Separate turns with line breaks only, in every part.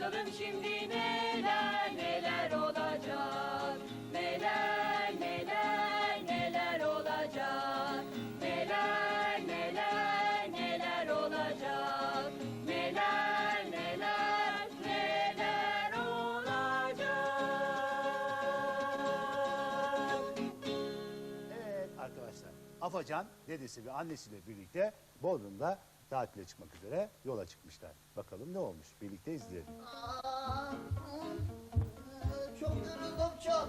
Bakalım şimdi neler neler olacak. Neler neler neler olacak. Neler neler neler olacak. Neler neler neler olacak.
Evet arkadaşlar, Afacan dedesi ve annesiyle birlikte Bodrum'da tatile çıkmak üzere yola çıkmışlar. Bakalım ne olmuş? Birlikte izleyelim.
Çok yoruldum çok.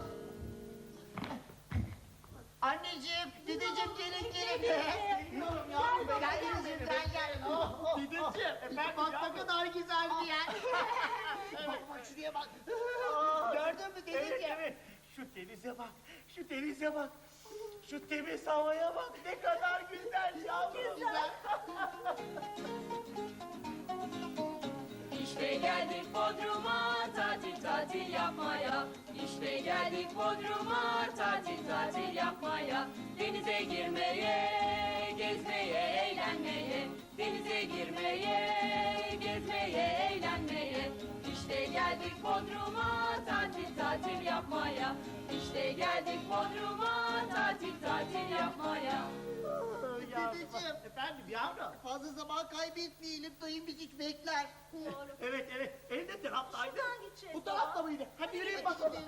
Anneciğim, dedeciğim gelin gelin. Geliyorum yavrum. Gel dedeciğim gel. Dedeciğim, bak ne kadar güzel bir yer. Bak şuraya bak. Gördün mü dedeciğim?
Evet. Şu denize bak. Şu denize bak. Şu temiz havaya bak. Ne kadar güzel yavrum. Güzel.
İşte geldik Bodrum'a tatil tatil yapmaya. İşte geldik Bodrum'a tatil tatil yapmaya. Denize girmeye, gezmeye, eğlenmeye. Denize girmeye, gezmeye, eğlenmeye. İşte geldik Bodrum'a tatil tatil yapmaya. İşte geldik Bodrum'a tatil tatil yapmaya.
Dedeciğim.
Efendim yavrum.
Fazla zaman kaybetmeyelim, dayım bizi hiç bekler.
Evet evet. Ne taraftaydı?
gideceğiz
Bu tarafta mıydı? Hadi yürüyün bakalım.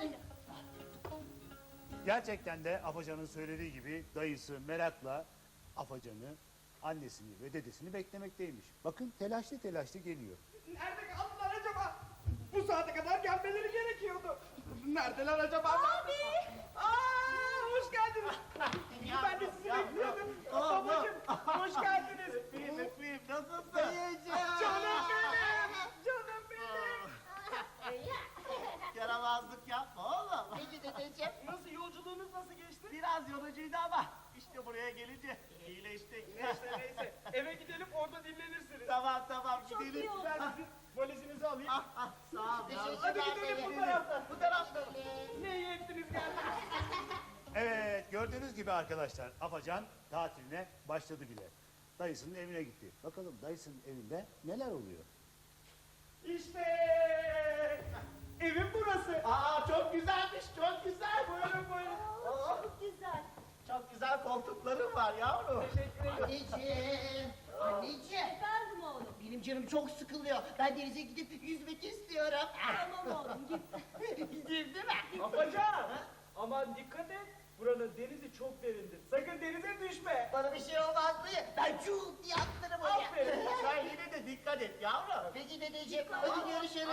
Gerçekten de Afacan'ın söylediği gibi dayısı merakla Afacan'ı, annesini ve dedesini beklemekteymiş. Bakın telaşlı telaşlı geliyor.
Nerede kaldılar acaba? Bu saate kadar gelmeleri gerekiyordu. Neredeler acaba? Abi! Hoş geldiniz. Ben de sizi bekliyordum. Babacığım, hoş geldiniz. Öpeyim, nasılsın?
Dayıcığım.
Canım benim, canım benim.
Yaramazlık yapma oğlum. Peki dedeciğim.
Nasıl, yolculuğunuz nasıl geçti? Biraz yorucuydu ama işte buraya gelince iyileştik. Neyse, eve gidelim orada dinlenirsiniz. Tamam, gidelim. Ben sizin valizinizi alayım.
Sağ ol.
Hadi gidelim bu taraftan. Bu taraftan. Ne iyi ettiniz geldiniz.
Evet, gördüğünüz gibi arkadaşlar Afacan tatiline başladı bile. Dayısının evine gitti. Bakalım dayısının evinde neler oluyor?
İşte evim burası. Çok güzelmiş, çok güzel. Buyurun.
Çok güzel.
Çok güzel koltuklarım var yavrum. Teşekkür ederim.
Anneciğim.
Efendim oğlum.
Benim canım çok sıkılıyor. Ben denize gidip yüzmek istiyorum.
Tamam oğlum git.
Gideyim değil mi?
Afacan, aman dikkat et. Buranın denizi çok derindir. Sakın denize düşme.
Bana bir şey olmaz mı? Ben çuğuk diye atlarım oraya.
Aferin. Sen yine de dikkat et yavrum.
Peki dedeciğim. Hadi görüşürüz.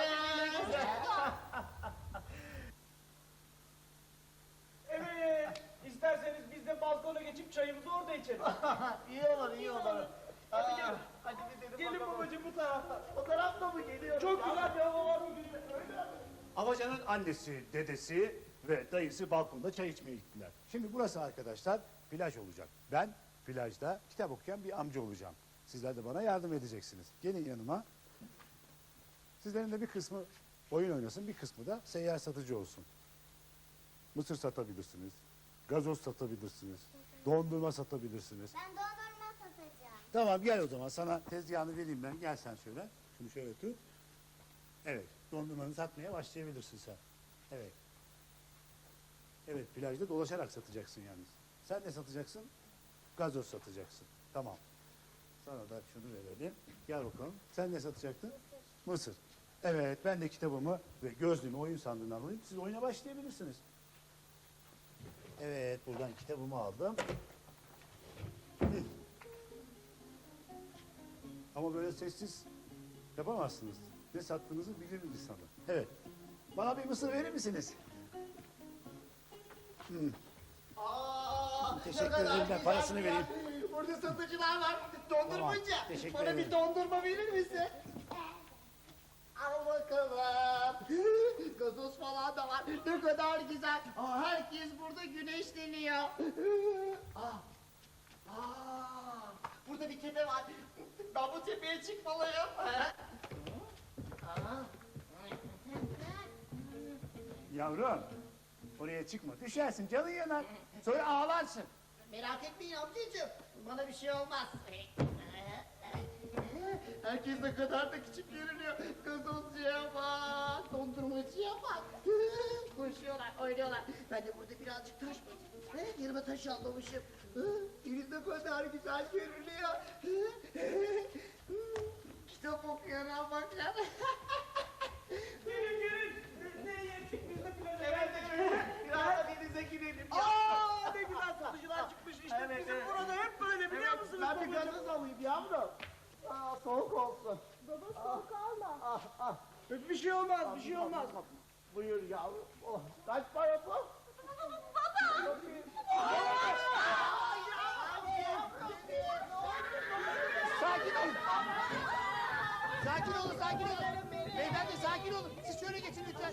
Evet. İsterseniz biz de balkona geçip çayımızı orada içelim.
iyi olur.
Hadi gel. Hadi gidelim. Gelin babacığım bu taraftan. O tarafta mı geliyor? Çok güzel bir hava var bugün. Öyle mi?
Afacan'ın annesi, dedesi ve dayısı balkonda çay içmeye gittiler. Şimdi burası arkadaşlar plaj olacak. Ben plajda kitap okuyan bir amca olacağım. Sizler de bana yardım edeceksiniz. Gelin yanıma. Sizlerin de bir kısmı oyun oynasın, bir kısmı da seyyar satıcı olsun. Mısır satabilirsiniz, gazoz satabilirsiniz, dondurma satabilirsiniz.
Ben dondurma satacağım.
Tamam gel o zaman sana tezgahını vereyim ben. Gel sen şöyle. Şunu şöyle tut. Evet dondurmanı satmaya başlayabilirsin sen. Evet. Evet plajda dolaşarak satacaksın yalnız. Sen ne satacaksın? Gazoz satacaksın. Tamam. Sana da şunu verelim. Gel bakalım. Sen ne satacaktın? Mısır. Evet ben de kitabımı ve gözlüğümü oyun sandığından alayım. Siz oyuna başlayabilirsiniz. Evet buradan kitabımı aldım. Ama böyle sessiz yapamazsınız. Ne sattığınızı bilir insanlar. Evet. Bana bir mısır verir misiniz? Teşekkür ederim, ben parasını vereyim.
Burada satıcılar var. Dondurmacı.
Tamam, teşekkür
Bana
ederim.
bir dondurma verir misin? Al bakalım. Gazoz falan da var. Ne kadar güzel. Herkes burada güneşleniyor. Burada bir tepe var. Ben bu tepeye çıkmalıyım.
Yavrum, oraya çıkma. Düşersin, canın yanar. Sonra ağlarsın.
Merak etmeyin amcacığım. Bana bir şey olmaz. Herkes ne kadar da küçük görünüyor. Gazozcuya bak. koşuyorlar, oynuyorlar. Ben de burada birazcık taş batırdım. Yanıma taş almamışım. Deniz ne kadar güzel görünüyor. Kitap okuyorum bak ya.
Gelin gelin. Ne yedik biz de plaja geldik.
Biraz da denize girelim ya.
Aa ne güzel satıcılar çıkmış işte
Evet,
bizim
evet.
burada hep böyle biliyor musunuz
Ben bir
babacığım?
gazoz alayım yavrum. Soğuk olsun.
Baba soğuk alma.
Bir şey olmaz bir şey olmaz.
Buyur yavrum. Oh, kaç para bu?
Sakin olun. Sakin olun, sakin olun. Beyefendi sakin olun. Siz şöyle geçin lütfen.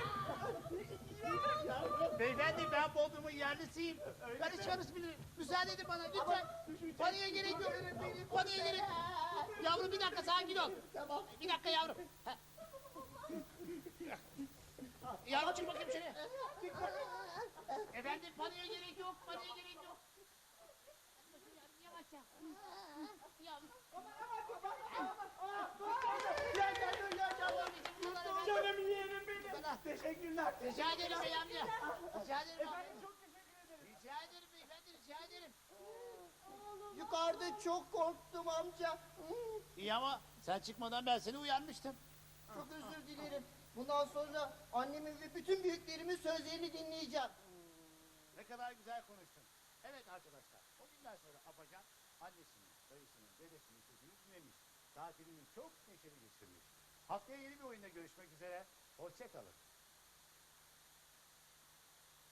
Beyefendi ben Bodrum'un yerlisiyim. Ben hiç yarısı bilirim. Müsaade edin bana lütfen. Paniğe gerek yok. Paniğe gerek yok. Yavrum bir dakika sakin ol. Bir dakika yavrum. Ha. Yavrum çık bakayım şuraya. Efendim paniğe gerek yok. Paniğe gerek yok. Yavaşça. Yavrum.
Canım yeğenim benim. Teşekkürler.
Rica ederim bey amca. Rica ederim amca.
Efendim çok teşekkür ederim.
Rica ederim beyefendi rica ederim.
Yukarıda çok korktum amca.
İyi ama sen çıkmadan ben seni uyarmıştım.
Çok özür dilerim. Bundan sonra annemin ve bütün büyüklerimin sözlerini dinleyeceğim.
Ne kadar güzel konuştun. Evet arkadaşlar o günden sonra Apacan annesinin, dayısının, dedesinin sözünü dinlemiş. Tatilini çok neşeli geçirmiş. Haftaya yeni bir oyunda görüşmek üzere. Hoşça kalın.